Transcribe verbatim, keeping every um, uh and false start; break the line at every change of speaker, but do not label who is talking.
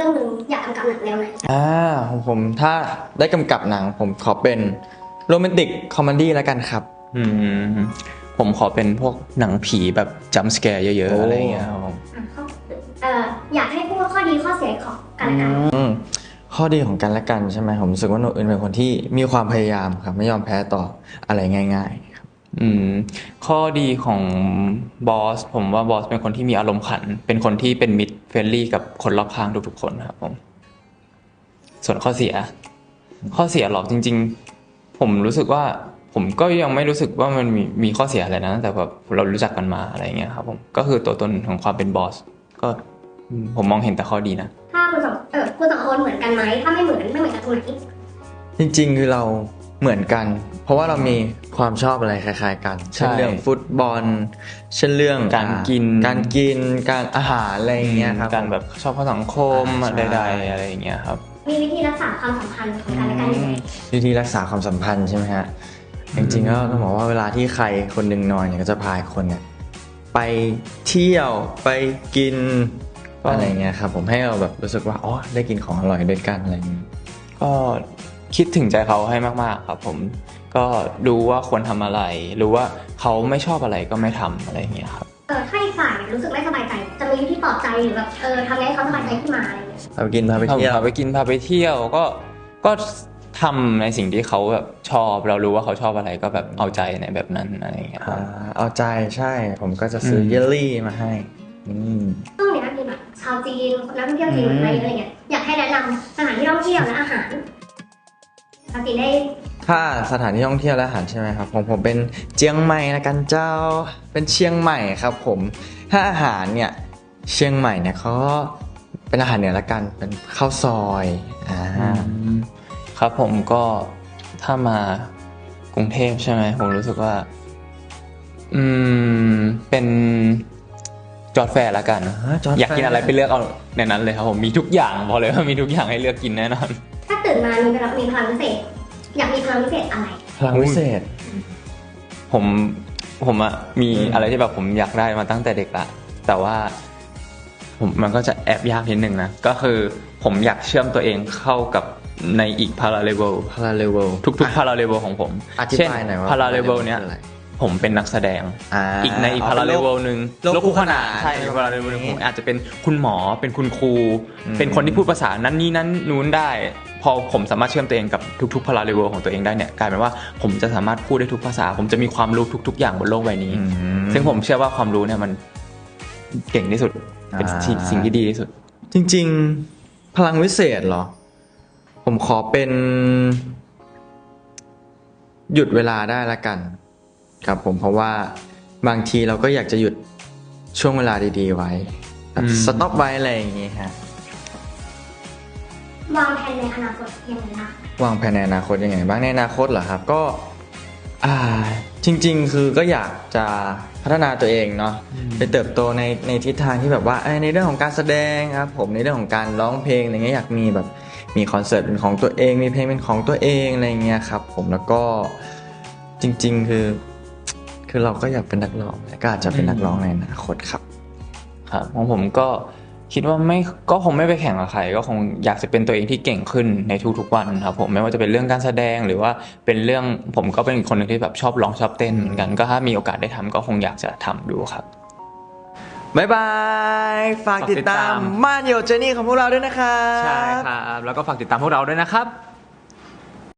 รื่องนึงอยากกำกับหนังแนวไหน
อ่าของผมถ้าได้กำกับหนังผมขอเป็นโรแมนติกคอมเมดี้แล้วกันครับ
อืมผมขอเป็นพวกหนังผีแบบจัมป์สแกร์เยอะๆอะไรเงี้ยครับผม
เอ่ออยากให้พูดข้อดีข้อเสียของกันและกัน
ข้อดีของกันและกันใช่ไหมผมรู้สึกว่าโนอื่นเป็นคนที่มีความพยายามครับไม่ยอมแพ้ต่ออะไรง่ายๆครับ
อืมข้อดีของบอสผมว่าบอสเป็นคนที่มีอารมณ์ขันเป็นคนที่เป็นมิตรเฟรนลี่กับคนรอบข้างทุกๆคนครับผมส่วนข้อเสียข้อเสียหรอกจริงๆผมรู้สึกว่าผมก็ยังไม่รู้สึกว่ามันมีมีข้อเสียอะไรนะแต่แบบเรารู้จักกันมาอะไรเงี้ยครับผมก็คือตัวตนของความเป็นบอสก็ผมมองเห็นแต่ข้อดีนะ
ถ้าคุณสองเออคุณสองคนเหมือนกันไหมถ้าไม่เหมือนไม่เหมือนกันตรงไหน
จริงๆคือเราเหมือนกันเพราะว่าเรามีความชอบอะไรคล้ายๆกันเช่นเรื่องฟุตบอลเช่นเรื่อง
การกิน
การกินการอาหารอะไรอย่างเงี้ยครับ
การแบบชอบข้อสังคมใดๆอะไรอย่างเงี้ยครับ
มีวิธีรักษาความสัมพันธ์ของกันและกันยังไง
วิธีรักษาความสัมพันธ์ใช่ไหมฮะจริงๆก็ต้องบอกว่าเวลาที่ใครคนหนึ่งนอนเนี่ยก็จะพาคนเนี่ยไปเที่ยวไปกินอะไรเงี้ยครับผมให้เราแบบรู้สึกว่าอ๋อได้กินของอร่อยด้วยกันอะไรอย่างเงี้ย
ก็คิดถึงใจเขาให้มากๆครับผมก็รู้ว่าควรทำอะไรรู้ว่าเขาไม่ชอบอะไรก็ไม่ทำอะไรอย่างเงี้ยครับ
เออถ้าอีกฝ่ายรู้สึกไม่สบายใจจะมีวิธีปลอบใจหรือแบบเออทำไงให้เขาสบายใจขึ้นมาอะไรอย่างเงี้ย
พาไปกินพาไปเที่ยว
พาไปกินพาไปเที่ยวก็ก็ทำในสิ่งที่เขาแบบชอบเรารู้ว่าเขาชอบอะไรก็แบบเอาใจในแบบนั้นอะไรอย่างเงี้ย
เอาใจใช่ผมก็จะซื้อเยลลี่มาให้
ช่วงนี้มีแบบชาวจีนนักท่องเที่ยวจีนมาเยอะอะไรเงี้ยอยากให้แนะนำสถานที่ท่องเที่ยวและอาหารปกติได้
ถ้าสถานที่ท่องเที่ยวและอาหารใช่ไหมครับผมผมเป็นเชียงใหม่นะกันเจ้าเป็นเชียงใหม่ครับผมถ้าอาหารเนี่ยเชียงใหม่เนี่ยเขาเป็นอาหารเหนือละกันเป็นข้าวซอยอ่า
ครับผมก็ถ้ามากรุงเทพใช่ไหมผมรู้สึกว่าอืมเป็นจอร์จแฟร์ละกันอยากกินอะไรไปเลือกเอาในนั้นเลยครับผมมีทุกอย่างบอกเลยว่ามีทุกอย่างให้เลือกกินแน่นอน
ถ้าตื่นมามีพลังมีพลังพิเศษอยากมีพลังพิเศษอะไร
พลังพิเศษ
ผมผมอะมีอะไรที่แบบผมอยากได้มาตั้งแต่เด็กละแต่ว่าผมมันก็จะแอบยากนิดนึงนะก็คือผมอยากเชื่อมตัวเองเข้ากับในอีกพาราเลเวล
พาราเลเวล
ทุกๆพาราเลเวลของผม
เช่น
พาราเลเวลเนี้ยผมเป็นนักแสดงอีกในอีกพาราเลเวลนึงโลกคู่ขนานใช่พาราเลเวลนึงผมอาจจะเป็นคุณหมอเป็นคุณครูเป็นคนที่พูดภาษานั้นนี่นั้นนู้นได้พอผมสามารถเชื่อมตัวเองกับทุกๆพาราเลเวลของตัวเองได้เนี่ยกลายเป็นว่าผมจะสามารถพูดได้ทุกภาษาผมจะมีความรู้ทุกๆอย่างบนโลกใบนี้ซึ่งผมเชื่อว่าความรู้เนี่ยมันเก่งที่สุดเป็นสิ่งที่ดีที่สุด
จริงๆพลังวิเศษเหรอผมขอเป็นหยุดเวลาได้ละกันครับผมเพราะว่าบางทีเราก็อยากจะหยุดช่วงเวลาดีๆไว้สต็อปไว้อะไรอย่างงี้ฮะ
วางแผนในอนาคตยังไงบ้าง
วางแผนในอนาคตยังไงบ้างในอนาคตเหรอครับก็อ่าจริงๆคือก็อยากจะพัฒนาตัวเองเนาะไปเติบโตในในทิศทางที่แบบว่าในเรื่องของการแสดงครับผมในเรื่องของการร้องเพลงอะไรเงี้ยอยากมีแบบมีคอนเสิร์ตเป็นของตัวเองมีเพลงเป็นของตัวเองอะไรเงี้ยครับผมแล้วก็จริงๆคือคือเราก็อยากเป็นนักร้องก็อาจจะเป็นนักร้องในอนาคตครับ
ครับของผมก็คิดว่าไม่ก็คงไม่ไปแข่งกับใครก็คงอยากจะเป็นตัวเองที่เก่งขึ้นในทุกๆวันครับผมไม่ว่าจะเป็นเรื่องการแสดงหรือว่าเป็นเรื่องผมก็เป็นคนนึงที่แบบชอบร้องชอบเต้นเหมือนกันก็ถ้ามีโอกาสได้ทำก็คงอยากจะทำดูครับ
บ๊ายบายฝากติดตามม่านโยเจนี่ของพวกเราด้วยนะครับ
ใช่ครับแล้วก็ฝากติดตามพวกเราด้วยนะครับ